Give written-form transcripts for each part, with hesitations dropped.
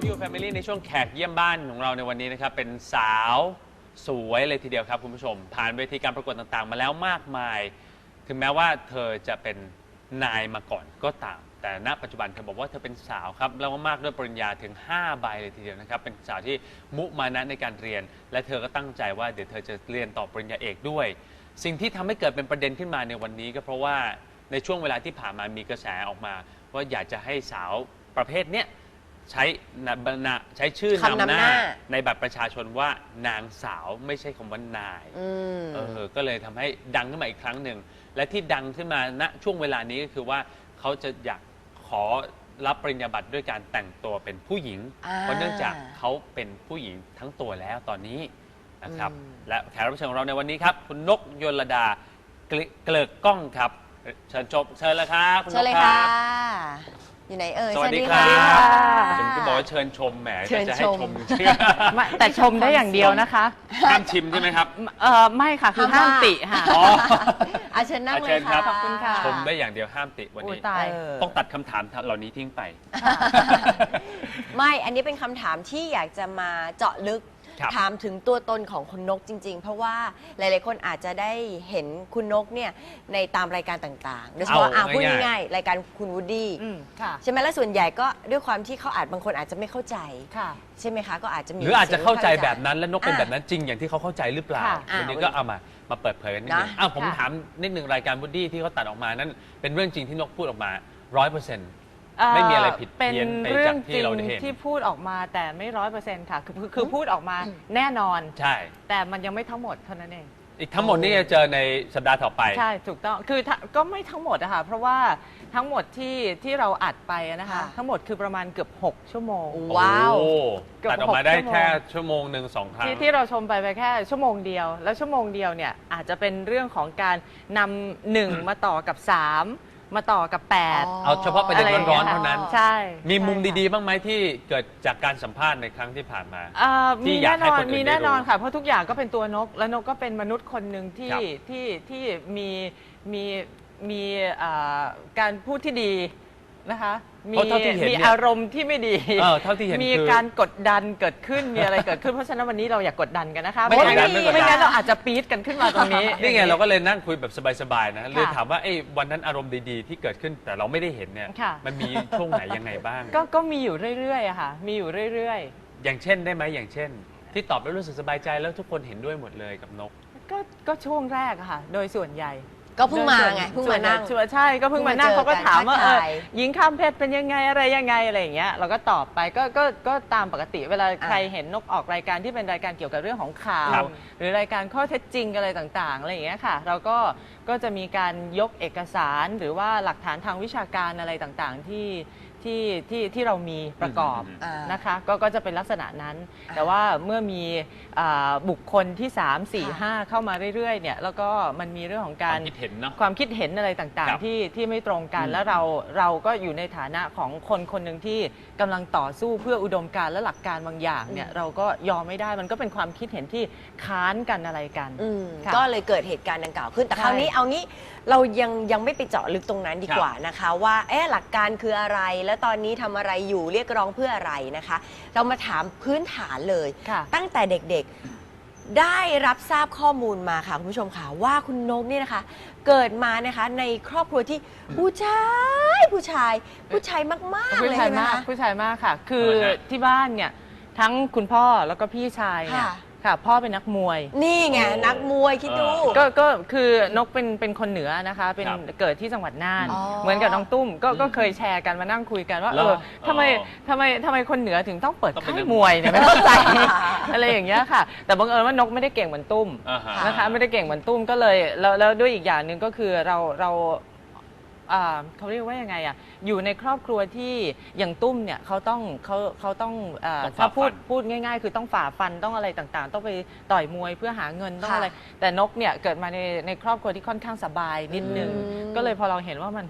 You Family ในช่วงแขกเยี่ยมบ้านของเราในวันนี้นะครับเป็นสาวสวยเลยทีเดียวครับคุณผู้ชมผ่านเวทีการประกวดต่างๆมาแล้วมากมายถึงแม้ว่าเธอจะเป็นนายมาก่อนก็ตามแต่ณปัจจุบันเธอบอกว่าเธอเป็นสาวครับแล้วมากด้วยปริญญาถึง5 ใบเลยทีเดียวนะครับเป็นสาวที่มุมานะในการเรียนและเธอก็ตั้งใจว่าเดี๋ยวเธอจะเรียนต่อปริญญาเอกด้วยสิ่งที่ทำให้เกิดเป็นประเด็นขึ้นมาในวันนี้ก็เพราะว่าในช่วงเวลาที่ผ่านมามีกระแสออกมาว่าอยากจะให้สาวประเภทเนี้ยใช้ชื่อนำหน้าในบัตรประชาชนว่านางสาวไม่ใช่คำว่านายก็เลยทำให้ดังขึ้นมาอีกครั้งหนึ่งและที่ดังขึ้นมาณช่วงเวลานี้ก็คือว่าเขาจะอยากขอรับปริญญาบัตรด้วยการแต่งตัวเป็นผู้หญิงเพราะเนื่องจากเขาเป็นผู้หญิงทั้งตัวแล้วตอนนี้นะครับและแขกรับเชิญของเราในวันนี้ครับคุณนกยลดาเกลิกก้องครับเชิญเลยครับคุณนกครับอยู่ไหนเอ่ยสวัสดีครับผมก็บอกว่าเชิญชมแหมจะให้ชมแต่ชมได้อย่างเดียวนะคะห้ามชิมใช่ไหมครับไม่ค่ะคือห้ามติค่ะเชิญนั่งเลยค่ะขอบคุณค่ะชมได้อย่างเดียวห้ามติวันนี้ต้องตัดคำถามเหล่านี้ทิ้งไปไม่อันนี้เป็นคำถามที่อยากจะมาเจาะลึกถามถึงตัวตนของคุณนกจริงๆเพราะว่าหลายๆคนอาจจะได้เห็นคุณนกเนี่ยในตามรายการต่างๆโดยเฉพาะพูดง่ายๆรายการคุณวูดดี้ใช่ไหมและส่วนใหญ่ก็ด้วยความที่เขาบางคนอาจจะไม่เข้าใจใช่ไหมคะก็อาจจะมีหรืออาจจะเข้าใจแบบนั้นและนกเป็นแบบนั้นจริงอย่างที่เขาเข้าใจหรือเปล่าวันนี้ก็เอามาเปิดเผยกันนิดนึงผมถามนิดนึงรายการวูดดี้ที่เขาตัดออกมานั้นเป็นเรื่องจริงที่นกพูดออกมา 100%ไม่มีอะไรผิดเพี้ยนไปจากที่เราได้เห็นที่พูดออกมาแต่ไม่100%ค่ะคือพูดออกมาแน่นอนใช่แต่มันยังไม่ทั้งหมดเท่านั้นเองอีกทั้งหมดนี่จะเจอในสัปดาห์ต่อไปใช่ถูกต้องคือก็ไม่ทั้งหมดอะค่ะเพราะว่าทั้งหมดที่เราอัดไปนะคะทั้งหมดคือประมาณเกือบ6 ชั่วโมงว้าวตัดออกมาได้แค่ชั่วโมงหนึ่ง2 ครั้งที่เราชมไปแค่ชั่วโมงเดียวแล้วชั่วโมงเดียวเนี่ยอาจจะเป็นเรื่องของการนำ1มาต่อกับ3มาต่อกับ8 เอาเฉพาะประเด็นร้อนๆเท่านั้นใช่มีมุมดีๆบ้างไหมที่เกิดจากการสัมภาษณ์ในครั้งที่ผ่านมามีแน่นอนค่ะเพราะทุกอย่างก็เป็นตัวนกและนกก็เป็นมนุษย์คนหนึ่งที่มีการพูดที่ดีนะคะมีอารมณ์ที่ไม่ดีเท่าที่เห็นมีการกดดันเกิดขึ้นมีอะไรเกิดขึ้นเพราะฉะนั้นวันนี้เราอยากกดดันกันนะคะไม่งั้นเราอาจจะปี๊ดกันขึ้นมาตรงนี้นี่ไงเราก็เลยนั่งคุยแบบสบายๆนะเลยถามว่าวันนั้นอารมณ์ดีๆที่เกิดขึ้นแต่เราไม่ได้เห็นเนี่ยมันมีช่วงไหนยังไงบ้างก็มีอยู่เรื่อยๆค่ะมีอยู่เรื่อยๆอย่างเช่นได้ไหมอย่างเช่นที่ตอบแล้วรู้สึกสบายใจแล้วทุกคนเห็นด้วยหมดเลยกับนกก็ช่วงแรกค่ะโดยส่วนใหญ่ก็เพิ่งมาไงเพิ่งมานั่งใช่ก็เพิ่งมานั่งเขาก็ถามว่าหญิงข้ามเพศเป็นยังไงอะไรอย่างเงี้ยเราก็ตอบไปก็ตามปกติเวลาใครเห็นนกออกรายการที่เป็นรายการเกี่ยวกับเรื่องของข่าวหรือรายการข้อเท็จจริงอะไรต่างๆอะไรอย่างเงี้ยค่ะเราก็จะมีการยกเอกสารหรือว่าหลักฐานทางวิชาการอะไรต่างๆที่เรามีประกอบนะคะก็จะเป็นลักษณะนั้นแต่ว่าเมื่อมีบุคคลที่3 4 5เข้ามาเรื่อยๆเนี่ยแล้วก็มันมีเรื่องของการความคิดเห็นอะไรต่างๆที่ไม่ตรงกันแล้วเราก็อยู่ในฐานะของคนหนึ่งที่กำลังต่อสู้เพื่ออุดมการณ์และหลักการบางอย่างเนี่ยเราก็ยอมไม่ได้มันก็เป็นความคิดเห็นที่ค้านกันอะไรกันก็เลยเกิดเหตุการณ์ดังกล่าวขึ้นแต่คราวนี้เอางี้เรายังไม่ไปเจาะลึกตรงนั้นดีกว่านะคะว่าหลักการคืออะไรและตอนนี้ทำอะไรอยู่เรียกร้องเพื่ออะไรนะคะเรามาถามพื้นฐานเลยตั้งแต่เด็กๆได้รับทราบข้อมูลมาค่ะคุณผู้ชมค่ะว่าคุณนกเนี่ยนะคะเกิดมานะคะในครอบครัวที่ผู้ชายมากๆเลยใช่ไหมคะผู้ชายมากค่ะคือที่บ้านเนี่ยทั้งคุณพ่อแล้วก็พี่ชายเนี่ยค่ะพ่อเป็นนักมวยนี่ไงนักมวยคิดดูก็คือนกเป็นคนเหนือนะคะเป็นเกิดที่จังหวัดน่านเหมือนกับน้องตุ้มก็เคยแชร์กันมานั่งคุยกันว่าทำไมคนเหนือถึงต้องเปิดค่ายมวยเนี่ยไม่เข้าใจอะไรอย่างเงี้ยค่ะแต่บังเอิญว่านกไม่ได้เก่งเหมือนตุ้มนะคะไม่ได้เก่งเหมือนตุ้มก็เลยแล้วด้วยอีกอย่างหนึ่งก็คือเราเขาเรียกว่ายังไงอ่ะอยู่ในครอบครัวที่อย่างตุ้มเนี่ยเขาต้องถ้าพูดง่ายๆคือต้องฝ่าฟันต้องอะไรต่างๆต้องไปต่อยมวยเพื่อหาเงินต้องอะไรแต่นกเนี่ยเกิดมาในครอบครัวที่ค่อนข้างสบายนิดนึงก็เลยพอเราเห็นว่า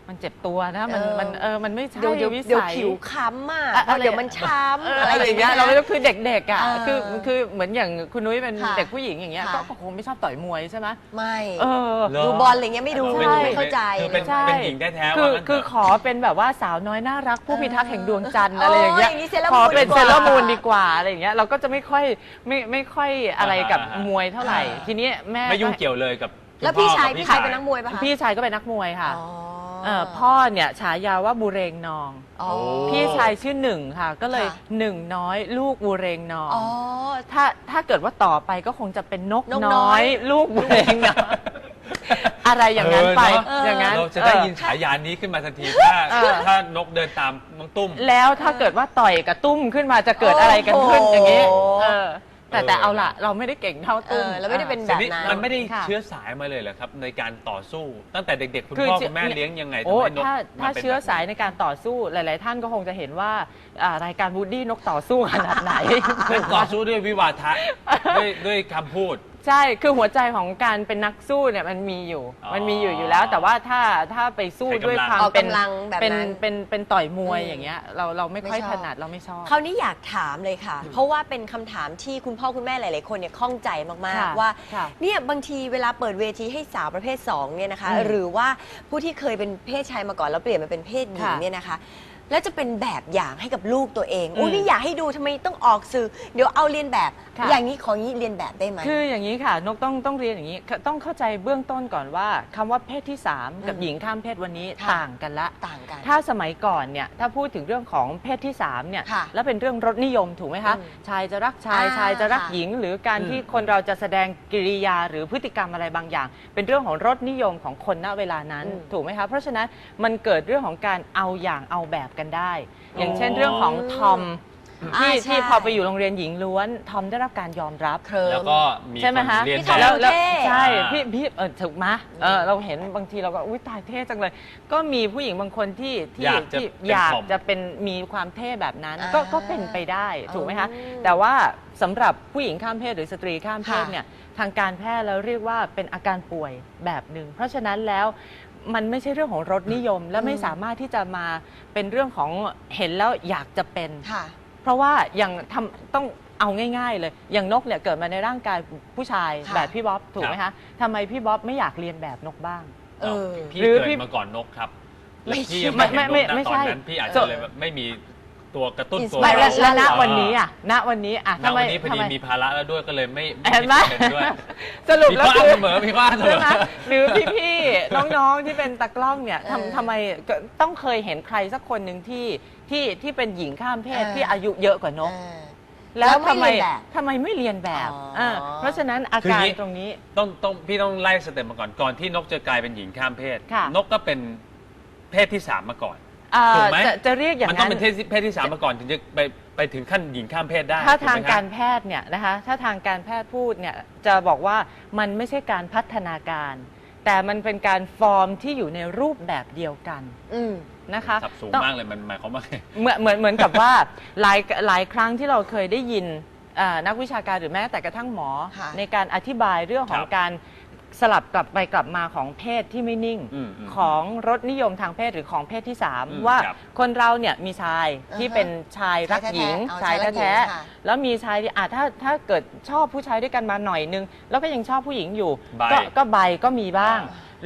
มันเจ็บตัวนะมันไม่ใช่เดี๋ยววิเดี๋ยวสัยผิวค้ำอ่ะอะไรเดี๋ยวมันช้ำอะไรอย่างเงี้ยเราไม่รู้คือเด็กๆอ่ะเออคือเหมือนอย่างคุณนุ้ยเป็นค่ะเด็กผู้หญิงอย่างเงี้ยค่ะก็คงไม่ชอบต่อยมวยใช่ไหมไม่เออเหรอดูบอลอะไรเงี้ยไม่ดูใช่ไม่เข้าใจคือเป็นใช่เป็นหญิงแท้ๆคือว่างั้นเถะคือขอเป็นแบบว่าสาวน้อยน่ารักผู้พิทักษ์แห่งดวงจันทร์อะไรอย่างเงี้ยโอ้ยอย่างนี้เซเลอร์ขอมูนเป็นดีกว่าเซเลอร์มูนดีกว่าอะไรอย่างเงี้ยเราก็จะไม่ค่อยอะไรกับอ่าฮะมวยเท่าไหร่ ทีนี้แม่ไม่ยุ่งเกี่ยวเลยกับแล้วพี่ชายคุณพ่อกับพี่ชายเป็นนักมวยปะคะพี่ชายก็เป็นนักมวยค่ะอ๋อพ่อเนี่ยฉายาว่าบูเรงนองอ๋อพี่ชายชื่อหนึ่งค่ะ ก็เลยค่ะหนึ่งน้อยลูกบูเรงนองอ๋อถ้าเกิดว่าต่อไปก็คงจะเป็นนกนกน้น้ออย ย ลูกบูเรงนองอะไรอย่างนั้นไปเออเนอะอย่างนั้นเราจะได้ยินฉายานี้ขึ้นมาทันทีถ้านกเดินตามน้องตุ้มแล้วถ้าเกิดว่าต่อยกับตุ้มขึ้นมาจะเกิดอะไรกันขึ้นโอ้โหอย่างนี้แต่เออเอาล่ะ เราไม่ได้เก่งเท่าตุ้มเราไม่ได้เป็นแต่นี่แบบนั้นมันไม่ได้ค่ะเชื้อสายมาเลยเหรอครับ ในการต่อสู้ ตั้งแต่เด็กๆ คุณคือพ่อคุณแม่เลี้ยงยังไงทำโอ้ให้นกถ้าป็นเชื้อสายแบบในการต่อสู้หลาย ๆ ท่านก็คงจะเห็นว่ารายการวูดดี้นกต่อสู้ขนาดไหนนั่นต่อสู้ด้วยวิวาทะด้วยคำพูดใช่ คือหัวใจของการเป็นนักสู้เนี่ยมันมีอยู่อ๋อมันมีอยู่แล้ว แต่ว่าถ้าไปสู้ใช้กำลังด้วยความออกเป็นกำลังแบบนั้นเป็นต่อยมวยอืมอย่างเงี้ยเราไม่ค่อยไม่ชถอบนัดเราไม่ชอบคราวนี้อยากถามเลยค่ะ เพราะว่าเป็นคำถามที่คุณพ่อคุณแม่หลาย ๆ คนเนี่ยข้องใจมากค่ะๆ ว่าค่ะเนี่ยบางทีเวลาเปิดเวทีให้สาวประเภท2เนี่ยนะคะอืมหรือว่าผู้ที่เคยเป็นเพศชายมาก่อนแล้วเปลี่ยนมาเป็นเพศหญิงค่ะเนี่ยนะคะ แล้วจะเป็นแบบอย่างให้กับลูกตัวเองอืมอุ้ยนี่อยากให้ดูทำไมต้องออกสื่อ เดี๋ยวเอาเรียนแบบค่ะอย่างนี้ของนี้เรียนแบบได้ไหมคืออย่างนี้ค่ะนกต้องเรียนอย่างนี้ต้องเข้าใจเบื้องต้นก่อนว่าคำว่าเพศที่ 3 กับอืมหญิงข้ามเพศวันนี้ค่ะต่างกันละต่างกันถ้าสมัยก่อนเนี่ยถ้าพูดถึงเรื่องของเพศที่3เนี่ยค่ะแล้วเป็นเรื่องรสนิยมถูกไหมคะอืมชายจะรักชายอ่าชายจะรักค่ะหญิง หรือการอืมที่คนเราจะแสดงกิริยาหรือพฤติกรรมอะไรบางอย่าง เป็นเรื่องของรสนิยมของคนณเวลานั้นอืมถูกไหมคะเพราะฉะนั้นมันเกิดเรื่องของการเอาอย่างเอาแบบกันได้ อย่างเช่นเรื่องของทอมอ่าที่ใช่ที่พอไปอยู่โรงเรียนหญิงล้วนทอมได้รับการยอมรับเคลิ้มแล้วก็มีใช่ไหมคนคะเรียนพี่แบทอมบแล้วเท่ใช่อ่าพี่ถูกไหมเราเห็นบางทีเราก็อุ้ยตายเท่จังเลย ก็มีผู้หญิงบางคนที่อยากจะที่เป็นอยากทอมจะเป็นมีความเท่แบบนั้นอ่าก็เป็นไปได้ถูกไหมคะอืมแต่ว่าสำหรับผู้หญิงข้ามเพศหรือสตรีข้ามเพศค่ะเนี่ยทางการแพทย์แล้วเรียกว่าเป็นอาการป่วยแบบหนึ่งเพราะฉะนั้นแล้วมันไม่ใช่เรื่องของรสนิยม และไม่สามารถที่จะมาเป็นเรื่องของเห็นแล้วอยากจะเป็นค่ะเพราะว่าอย่างต้องเอาง่าย ๆ เลย อย่างนกเนี่ยเกิดมาในร่างกายผู้ชายค่ะแบบพี่บ๊อบถูกไหมคะทำไมพี่บ๊อบไม่อยากเรียนแบบนกบ้างเออพี่หรือเกิพี่ดมาก่อนนกครับ แล้วไม่พี่ใช่ยังไม่เห็นนกไม่นะไม่ตอใช่นนั้นพี่อาจจะเลยแบบไม่มีตัวกระตุ้นตัว Inspire แล้ว Inspiration ณเหรอวันนี้อ่ะณวันนี้อ่ะณทำไมวันนี้พอดีทำไมมีภาระแล้วด้วยก็เลยไม่เห็นไหมเป็นด้วยสรุปมีแล้วข้อคือเสมอมีข้อเสมใช่อไหมหรือพี่ๆน้องๆที่เป็นตากล้องเนี่ยเออทำไมก็ต้องเคยเห็นใครสักคนหนึ่งที่เป็นหญิงข้ามเพศเออที่อายุเยอะกว่านกเออแล้วแล้วไม่ทำไมเรียนแบบทำไมไม่เรียนแบบอ๋อเพราะฉะนั้นอาคือการอย่างนี้ตรงนี้พี่ต้องไล่สเต็ปมาก่อนที่นกจะกลายเป็นหญิงข้ามเพศค่ะนกก็เป็นเพศที่ 3 มาก่อน ถูกไหมจะเรียกอย่างมันต้อนั้งนเป็นเพศที่ 3 มาก่อนถึงจะไปถึงขั้นหญิงข้ามเพศได้ถ้าถูกทางไหมคบการแพทย์เนี่ยนะคะถ้าทางการแพทย์พูดเนี่ยจะบอกว่ามันไม่ใช่การพัฒนาการ แต่มันเป็นการฟอร์มที่อยู่ในรูปแบบเดียวกันอืมนะคะสับสูงต้องมากเลยมันหมายความว่าไงเหมือนกับว่าหลายครั้งที่เราเคยได้ยินนักวิชาการหรือแม้แต่กระทั่งหมอค่ะในการอธิบายเรื่องของครับการสลับกลับไปกลับมาของเพศที่ไม่นิ่งอืมของรสนิยมทางเพศหรือของเพศที่อืม 3 ว่าครับคนเราเนี่ยมีชายที่อ่าฮะเป็นชายรักหญิงชายแท้ๆเอาชายรักหญิงแท้ค่ะๆแล้วมีชายที่ถ้าเกิดชอบผู้ชายด้วยกันมาหน่อยนึง แล้วก็ยังชอบผู้หญิงอยู่ไบก็ไบก็มีบ้างอ่า